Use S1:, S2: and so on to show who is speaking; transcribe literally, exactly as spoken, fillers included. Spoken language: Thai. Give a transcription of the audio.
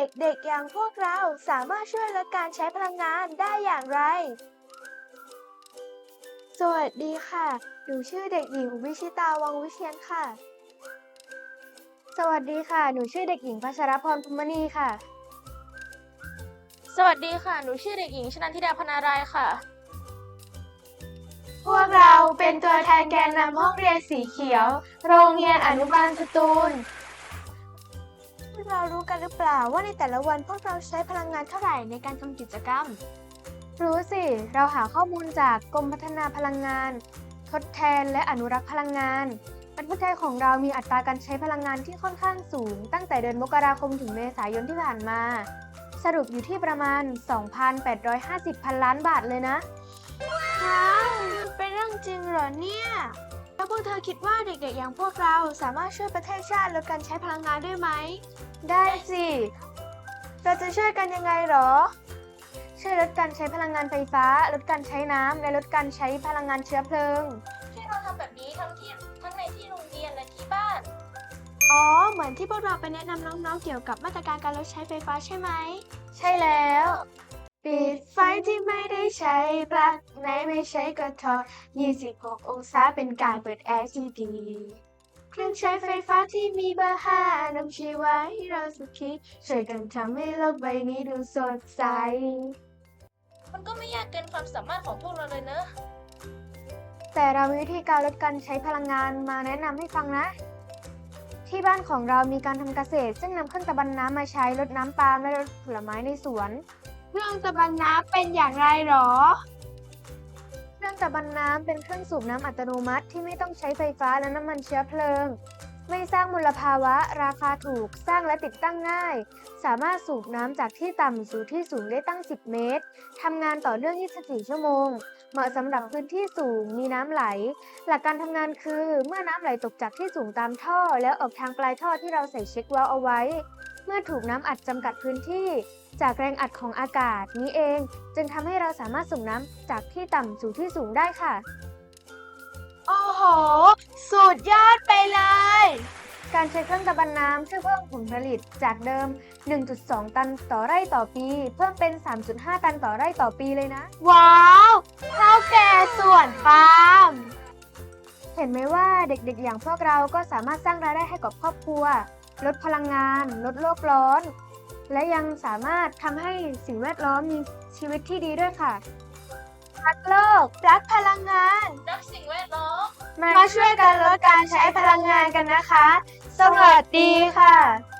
S1: ด็กๆอย่างพวกเราสามารถช่วยลดการใช้พลังงานได้อย่างไร สวัสดีค่ะ หนูชื่อเด็กหญิงวิชิตาวังวิเชียรค่ะ สวัสดีค่ะ หนูชื่อเด็กหญิงพัชรพรภูมิมณีค่ะ
S2: สวัสดีค่ะ หนูชื่อเด็กหญิงชนันทิดาพนารายค่ะ
S1: พวกเราเป็นตัวแทนแกนนำห้องเรียนสีเขียว โรงเรียนอนุบาลสตูล พวกเรารู้กันหรือเปล่าว่าในแต่ละวันพวกเราใช้พลังงานเท่าไหร่ในการทำกิจกรรม รู้สิ เราหาข้อมูลจากกรมพัฒนาพลังงาน ทดแทนและอนุรักษ์พลังงาน ประเทศไทยของเรามีอัตราการใช้พลังงานที่ค่อนข้างสูง ตั้งแต่เดือนมกราคมถึงเมษายนที่ผ่านมา สรุปอยู่ที่ประมาณ สองพันแปดร้อยห้าสิบ พันล้านบาทเลยนะว้าวเป็นเรื่องจริงเหรอเนี่ย แล้วพวกเธอคิดว่าเด็กๆอย่างพวกเราสามารถช่วยประเทศชาติลดการใช้พลังงานได้ไหม ได้สิ เราจะช่วยกันยังไงหรอ ช่วยลดการใช้พลังงานไฟฟ้า ลดการใช้น้ำ และลดการใช้พลังงานเชื้อเพลิง
S2: ที่เราทำแบบนี้ทั้งที่ทั้งในที่โรงเรียนและที่บ้าน
S1: อ๋อ เหมือนที่พวกเราไปแนะนำน้องๆเกี่ยวกับมาตรการการลดใช้ไฟฟ้าใช่ไหม ใช่แล้ว ปิดไฟที่ไม่ได้ใช้ปลั๊กไหนไม่ใช้ก็ถอดยี่สิบหก องศาเป็นการเปิดแอร์ที่ดี เครื่องใช้ไฟฟ้าที่มีเบอร์ห้านำชีวะให้เราสุขีช่วยกันทำให้โลกใบนี้ดูสดใส
S2: มันก็ไม่ยากเกินความสามารถของพวกเราเลยเนอะ
S1: แต่เรามีวิธีการลดการใช้พลังงานมาแนะนำให้ฟังนะ ที่บ้านของเรามีการทำเกษตร ซึ่งนำเครื่องตะบันน้ำมาใช้ลดน้ำปาล์มและลดผลไม้ในสวน เครื่องตะบันน้ำเป็นอย่างไรหรอ เครื่องตะบันน้ำเป็นเครื่องสูบน้ำอัตโนมัติที่ไม่ต้องใช้ไฟฟ้าและน้ำมันเชื้อเพลิง ไม่สร้างมลภาวะ ราคาถูก สร้างและติดตั้งง่าย สามารถสูบน้ำจากที่ต่ำสู่ที่สูงได้ตั้ง สิบ เมตร ทำงานต่อเนื่อง ยี่สิบสี่ ชั่วโมง เหมาะสำหรับพื้นที่สูง มีน้ำไหล หลักการทำงานคือ เมื่อน้ำไหลตกจากที่สูงตามท่อ แล้วออกทางปลายท่อที่เราใส่เช็คเวัลว์เอาไว้ เมื่อถูกน้ำอัดจำกัดพื้นที่ จากแรงอัดของอากาศนี้เอง จึงทำให้เราสามารถสูบน้ำจากที่ต่ำสู่ที่สูงได้ค่ะ โอ้โห สุดยอดไปเลย การใช้เครื่องตะบันน้ำช่วยเพิ่มผลผลิตจากเดิม หนึ่งจุดสอง ตันต่อไร่ต่อปี เพิ่มเป็น สามจุดห้า ตันต่อไร่ต่อปีเลยนะ ว้าวเท่าแก่ส่วนฟาร์ม เห็นไหมว่าเด็กๆอย่างพวกเราก็สามารถสร้างรายได้ให้กับครอบครัว ลดพลังงาน ลดโลกร้อน และยังสามารถทำให้สิ่งแวดล้อมมีชีวิตที่ดีด้วยค่ะ รักโลก รักพลังงาน
S2: รักสิ่งแวดล้อม
S1: มาช่วยกันลดการใช้พลังงานกันนะคะ สวัสดีค่ะ